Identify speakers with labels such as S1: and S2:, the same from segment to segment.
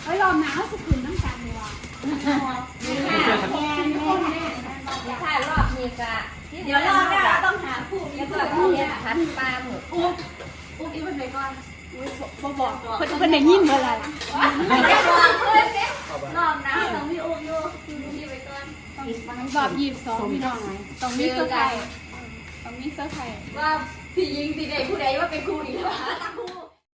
S1: เฮ้ยรอบหนาวสุขุนน้ำกันเลยว่ะ
S2: ถ้ารอบนี้ก็เดี๋ยวรอบหน้าต้องหาผู้แล้วก็ผู้พันปลาหมึก
S1: อุ๊บอีมันไปก่อนบอกคนไหนยิ่งเมื่อไร
S2: ไม่ได้บอกเพื่อนเนี่ยรอบหน้าต้องมีอุ๊บอยู่ที่ไปก่อน
S1: บอก22พี่น้องต้องมีเซอร์ไพรส์
S2: ว่าพี่ยิงสิได้ผู้ใดว่าเป็นครูอีกแล้วตาครู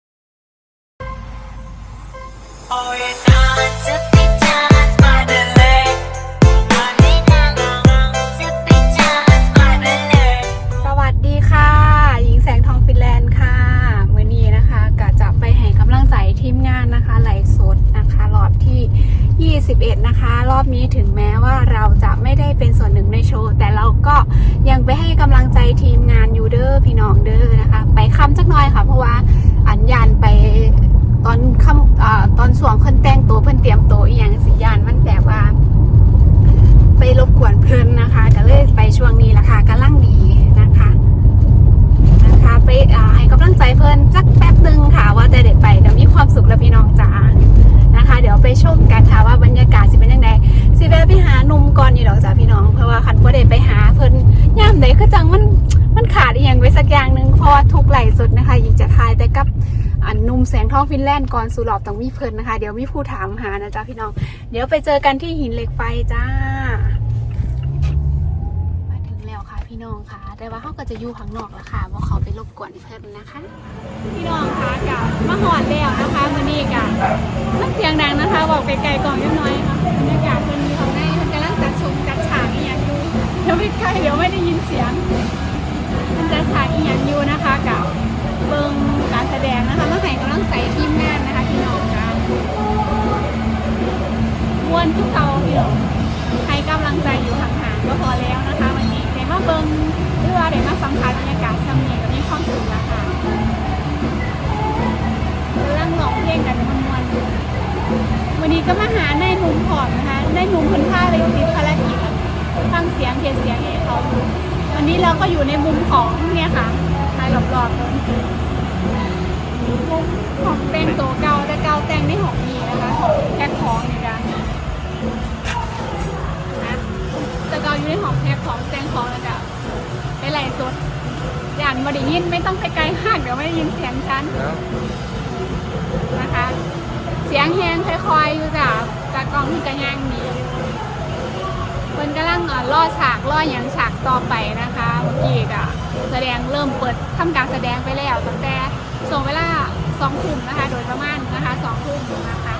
S1: สวัสดีค่ะหญิงแสงทองฟินแลนด์ค่ะมื้อนี้นะคะก็จะไปให้กำลังใจทีมงานนะคะไลฟ์สดนะคะรอบที่21นะคะรอบนี้ถึงแม้ว่าเราจะไม่ได้เป็นส่วนหนึ่งในโชว์แต่เราก็ยังไปให้กำลังใจทีมงานยูเดอร์พี่น้องเด้อนะคะไปค่ำจักหน่อยค่ะเพราะว่าอัญญาณไปตอนค่ำตอนช่วงเพิ่นแต่งตัวเพิ่นเตรียมตัวอีหยังสิญาณมันแบบว่าไปรบกวนเพิ่นนะคะก็เลยไปช่วงนี้ละค่ะกำลังดีนะคะไปให้กำลังใจเพิ่นสักแป๊บนึงค่ะว่าจะได้ไปก็มีความสุขแล้วพี่น้องจ๋านะคะเดี๋ยวไปชมกันค่ะว่าบรรยากาศสิเป็นยังไงสิแวะไปหาหนุ่มก่อนอยู่ดอกจ้าพี่น้องเพราะว่าคันบ่ได้ไปหาเพิ่นย่ามใดคือจังมันขาดอีหยังไว้สักอย่างนึงเพราะว่าทุกไหลฟ์สดนะคะยิ่งจะทายแต่กับหนุ่มแสงทองฟินแลนด์ก่อนสู่รอบต้องมีเพิ่นนะคะเดี๋ยวมีผู้ถามหานะจ๊ะพี่น้องเดี๋ยวไปเจอกันที่หินเหล็กไฟจ้ามาถึงแล้วค่ะพี่น้องค่ะแต่ว่าเขาก็จะอยู่ข้างนอกละค่ะว่าเขาไปรบกวนเพิ่นนะคะพี่น้องค่ะกับมาหอดแล้วนะคะมื้อนี้กะมันเสียงดังนะคะบอกไกลๆกล่องน้อยๆค่ะบรรยากาศคนมีของในมันกำลังจัดชมจัดฉากอีหยังอยู่เดี๋ยวไปใกล้เดี๋ยวไม่ได้ยินเสียงมันจัดฉากอีหยังอยู่นะคะกับเบิ่งการแสดงนะคะมาให้กำลังใจทีมงานนะคะพี่น้องค่ะม้วนทุกเก่าพี่น้องให้กำลังใจอยู่ห่างๆก็พอแล้วนะคะวันนี้เดี๋ยวมาเบิ่งหรือว่าเดี๋ยวมาสัมผัสบรรยากาศซ้ำเนี่ยก็มีความสุขแล้วค่ะกำลังร้องเพลงกันมันๆวันนี้ก็มาหาในหนุ่มผอมนะคะในหนุ่มคนท่าเลยติดภารกิจฟังเสียงเขียนเสียงให้เขาวันนี้เราก็อยู่ในมุมของเนี่ยค่ะทายรอบๆเลยมุมของแต่งตัวเก่าแต่เก่าแต่งในหองนี้นะคะแพ็คของนี่กันนะแต่เก่าอยู่ในหองแพ็คของแต่งของแล้วก็ไปไหลสดอย่างมาได้ยินไม่ต้องไปไกลมากเดี๋ยวไม่ได้ยินเสียงฉันนะคะเสียงแฮงค่อยๆอยู่จากกล้องที่กระย่างนี้คนกำลังล่อฉากล่ออย่างฉากต่อไปนะคะเมื่อกี้ก็แสดงเริ่มเปิดทำการแสดงไปแล้วตั้งแต่ส่งเวลา2 ทุ่มนะคะโดยประมาณนะคะ2 ทุ่มนะคะ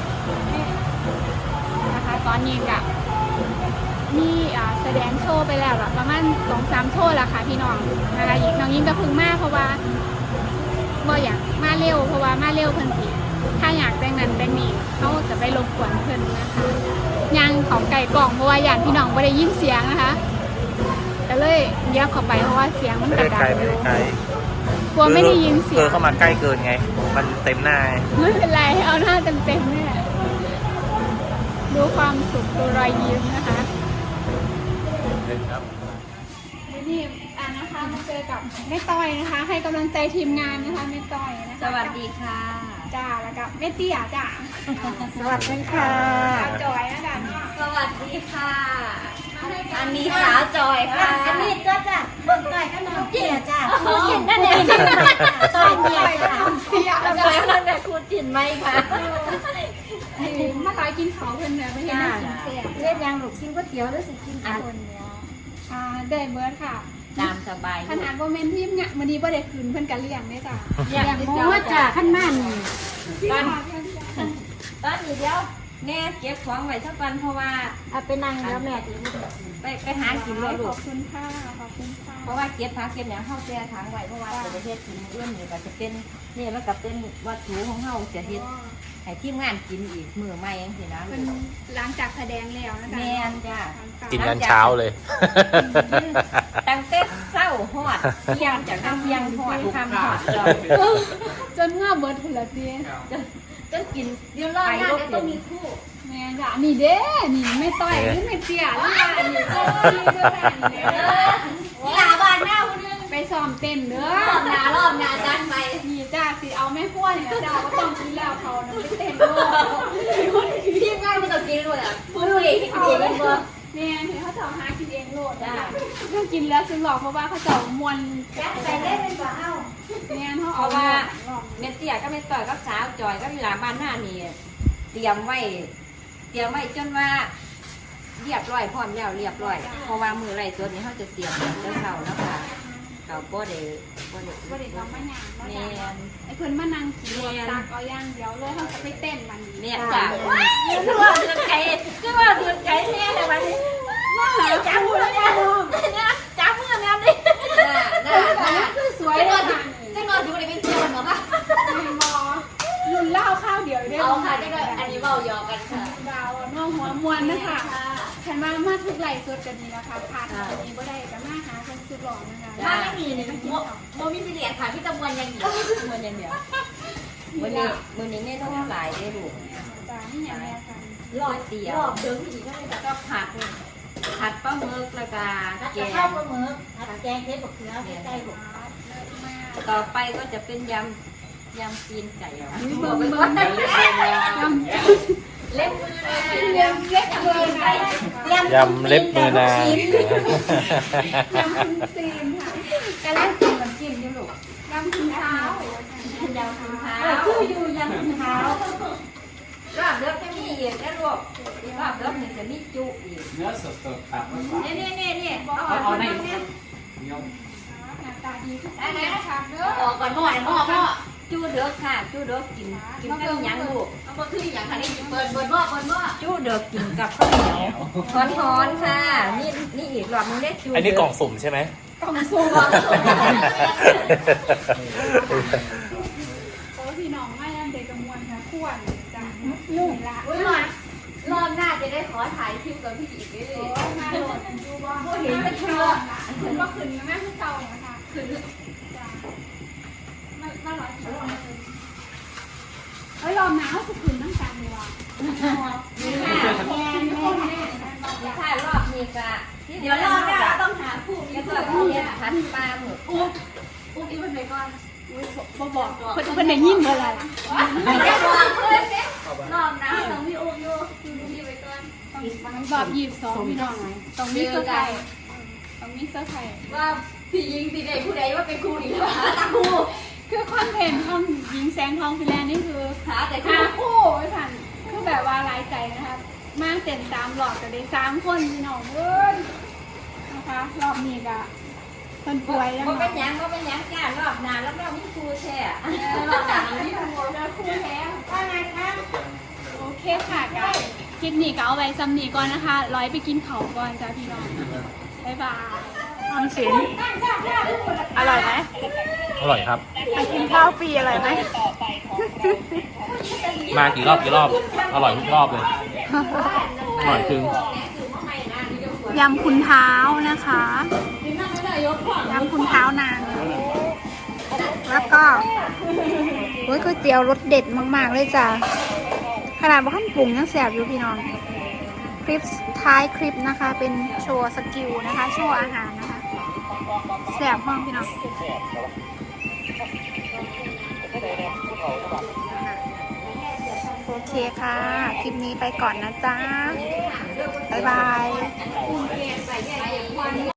S1: ตอนนี้ก็มีแสดงโชว์ไปแล้วประมาณ 2-3 โชว์แล้วค่ะพี่น้องนะคะน้องยิ่งก็พึ่งมากเพราะว่าบ่อยากมาเร็วเพราะว่ามาเร็วเพิ่นสิถ้าอยากแต่งนั้นแต่งนี้เขาจะไปรบกวนเพิ่นนะคะยังของไก่กล่องเพราะว่าอย่างพี่น้องไม่ได้ยินเสียงนะคะก็เลยเยียบเข้าไปเพราะว่าเสียงมันกระดังอยู่กลัวไม่ได้ยินเสียง
S3: เข้ามาใกล้เกินไงมันเต็มหน้า
S1: ไม่เป็นไรเอาหน้าเต็มๆเนี่ยดูความสุขดูรอยยิ้มนะคะนี่นะคะมาเจอกับแม่ต้อยนะคะให้กำลังใจทีมงานนะคะแม่ต้อยนะคะ
S2: สวัสดีค่ะ
S1: จ้าแล้วก็แม่เตี้ยจ้า
S2: สวัสดีค่ะ
S1: จอยนะจ๊ะ
S2: สวัสดีค่ะอันนี้สาวจอยค่ะ
S4: อันนี้ก็จะเบิ่งต่อยก็น้องเตี้ยจ้าคุณจินนั่นเองต่อยเตี้ยจ้า
S1: เตี้ยแล้วก็
S2: นั่นแหละคุณจินไหมคะ
S1: มาตายกินเขาเพื่อนเนี่ยไม่เห็นน่ากินเสีย
S4: เล่นยังหนูกินก๋วยเตี๋ยวหรือสิกินคนเดียว
S1: ได้เบิร์ดค่ะ
S2: ตามสบาย
S1: ขนาดว่าเมนที่เนี่ยวันนี้บ่ได้คืนเพื่อนกันเลี้ยงได้จ้ะ
S4: อย่างโม้จ้าขั้นมัน
S2: ตอนนี้เดียวแม่เก็บของไว้สักวันเพราะว่า
S4: เอาไปนั่งแล้วแม่ถึง
S2: ไปหากินเลยลูก
S1: ขอบคุณค่ะขอบคุณค่ะ
S2: เพราะว่าเก็บผักเก็บอย่างเข้าเสียถังไว้เพราะว่าจะเฮ็ดกินเอื้อนนี่ก็จะเป็นนี่แล้วก็เป็นวัตถุของเฮาจะเฮ็ดให้ทีมงานกินอีกมื้อใหม่จังซี่นะ
S1: เป็นหลังจากแสดงแล้วนะคะ
S2: แม่นจ้ะ
S3: กินยันเช้าเลย
S2: ตั้งแต่เช้าฮอดเที่ยงจากเที่ยงฮอดค่ำฮอด
S1: จนง่าเบิร์ดพุ่นละเตี้ย
S2: จนกินเดี๋ยวรอบหน้าจะต้องมีคู่
S1: แม่จ้ะนี่เด้นี่ไม่ต่อยนี่ไม่เตี้ยแล้วอันนี้ก็ที่ด้วยกันเนี่ย
S2: หลาบ้านหน้าคนนึง
S1: ไปซ้อมเต้นเด้อ
S2: รอบหน้าจันไป
S1: นี่จ้าสิเอาแม่ขั้วเนี่ยจ้าก็ต้องกินแล้วเขาไปเต้นด้วย
S2: บ่
S1: แม่เห็นเขาจะหากินเองโลดจ้ะเรื่องกินแล้วซื้อหลอกเพราะว่าเขาจะมวน
S4: ยัดไปเล่นเป็นบ่เอ้า
S1: แม่เขา
S2: เพ
S1: เอา
S2: ราะว่าเม็ดเตี้ยก็เม็ดต่อยก็สาวจอยก็มีหลาบ้านหน้านี่เตรียมไว้จนว่าเรียบร้อยพร้อมแล้วเรียบร้อยเพราะว่ามือไรตัวนี้เขาจะเตรียมเจ้าเขาแล้วค่ะเขาบ่ได้
S1: บริษัทมาหยาบ
S2: แม่น
S1: ไอ้เพื่อนมานั่งกินตักเอาย่างเดียวเลยเขาจะไปเต้นมัน
S2: เนี่ยจ้ะคือว่าเดือดไก่คือว่าเดือดไก่แน่เลยวันนี้จ้ามือเนี่ยจ้ามือเนี่ยนี่น่า
S1: คือสวยเลยค่ะ
S4: จะงอนดูในเป็นเสี้ยวเหรอคะ
S1: มอรุ่นเล่าข้าวเดียวได้
S4: เอาค่ะจะก็อันนี้เบายอกันค่ะ
S1: ดาวน้องหัวมวนนะคะใครมาทุกไหลสุดกันนี้นะคะผ่านวันนี้ก็ได้กับมาหาคนสุดหล่อนะคะ
S4: ถ้าไม่มีเนี่ยโมมิสิเลียค่ะพี่ตะมวนยังอยู่
S2: มืออย่างเดียวมือนี้เนี่ยต้องหลายได้ลูก
S1: จ้านี่อย่างนี้ค่ะ
S2: รอบเดียว
S4: รอบเดิมอีกก็ไม่แบบ
S2: ก็ผัดปลาหมึกแล้วก็
S4: นัด
S2: แก
S4: จะ
S2: ง
S4: เข้าปลาหมึกนัดแกงเทปกับเนื้อใกล้ๆผม
S2: ต่อไปก็จะเป็นยำตีนไก่อ่ะ
S1: เบิ่งเล็บมือนะยำเล็บมือนะ
S3: ยำเล็บมือนาง
S1: ยำคุณตีนค่ะ
S2: กระลังกินน้ำจิ้มอยู่ลูก
S1: ยำคุณเท้าย
S2: ำคุณเท้า
S4: คืออยู่ยังคุณเท้าร
S2: อบเลิกจะมีอีกนะลูกรอบเลิกจะมีจุอีก
S5: เนื้อสดๆครับ
S2: นี่
S5: เอาใน
S1: หน้าตาดีทุกคนนะคะเด้อ
S4: ออกก่อนหม้อ
S2: จูเด้อค่ะจูเด้อกินกับหยังลูก
S4: เอามาคืออย่างค่ะนี่เปิดหม้อ
S2: จูเด้อกินกับข้าวเหนียวร้อนๆค่ะนี่อีกรอบนึงได้จู
S3: อันนี้กล่องสุ่มใช่ไหม
S1: กล่องสูงโอ้พี่น้องไม่ยังเด็กกระมวลค่ะขวนจ้ะนุ่มละ
S4: อุ้ยรอบหน้าจะได้ขอถ่ายคลิปกับพี่อีกด้วย
S1: โอ้มาโหลดดูว่าเห็นจะเชื่อขึ้นว่าขึ้นแม่ขึ้นเก่านะคะขึ้นจ้ะมาร้อยกิโลเฮ้ยรอหนาวสุดขึ้นน้ำตาลดีว่ะแม่
S2: ถ้ารอบนี้ก็
S4: เดี๋ยวรอบหน้าต้องหาคู่
S2: แล้วก็เรียนพันปลาหมึก
S4: อุ้มอีกคนไหนก่อน
S1: บอกคนไหนยิ้มอะไร
S4: ไม่ได้บอกเพื่อนรอบหน้าต้องมีอุ้มอยู่พี่ไปก่อน
S1: บอก22พี่น้องต้องมีเสื้อไทยต้องมีเสื้อไทย
S4: ว่าพี่ยิงสิได้ผู้ใดว่าเป็นครูอีกแล้วหาตาครู
S1: คือคอนเทนต์ของหญิงแสงทองฟิแลนด์นี่คือ
S4: หาแต่ค
S1: หา
S4: รู
S1: คู่ไม่ทันคือแบบว่าหลายใจนะคะมาเต็ม3หลอดก็ได้3คนพี่น้องเอ้ยนะคะรอบนี้ก็คนป่วยแล้ว
S2: ก็
S1: เนาะ
S2: เป็นยังจ้ารอบนานแล้วเรามีครูแช่
S4: รอบหน้ามีครู
S1: แล้วคู่แท้
S4: ว่าไงคะ
S1: โอเคค่ะก็คลิปนี้ก็เอาไว้ซ้ำนี้ก่อนนะคะร้อยไปกินเขาก่อนจ้าพี่น้องบ๊ายบายออมสินอร่อยไหม
S3: อร่อยครับ
S1: ไปกินข้าวฟรีอร่อยไหม
S3: มากี่รอบ อร่อยทุกรอบเลย อร่อยจริง
S1: ยำคุณเท้านะคะยำคุณเท้านาง แล้วก็โอ้ยก๋วยเตี๋ยวรสเด็ดมากๆเลยจ้ะขนาดว่าขั้นปรุงยังแสบอยู่พี่น้อง คลิปท้ายคลิปนะคะ เป็นโชว์สกิลนะคะ โชว์อาหารนะคะแสบมากพี่น้องโอเคค่ะ คลิปนี้ไปก่อนนะจ๊ะ บ๊ายบาย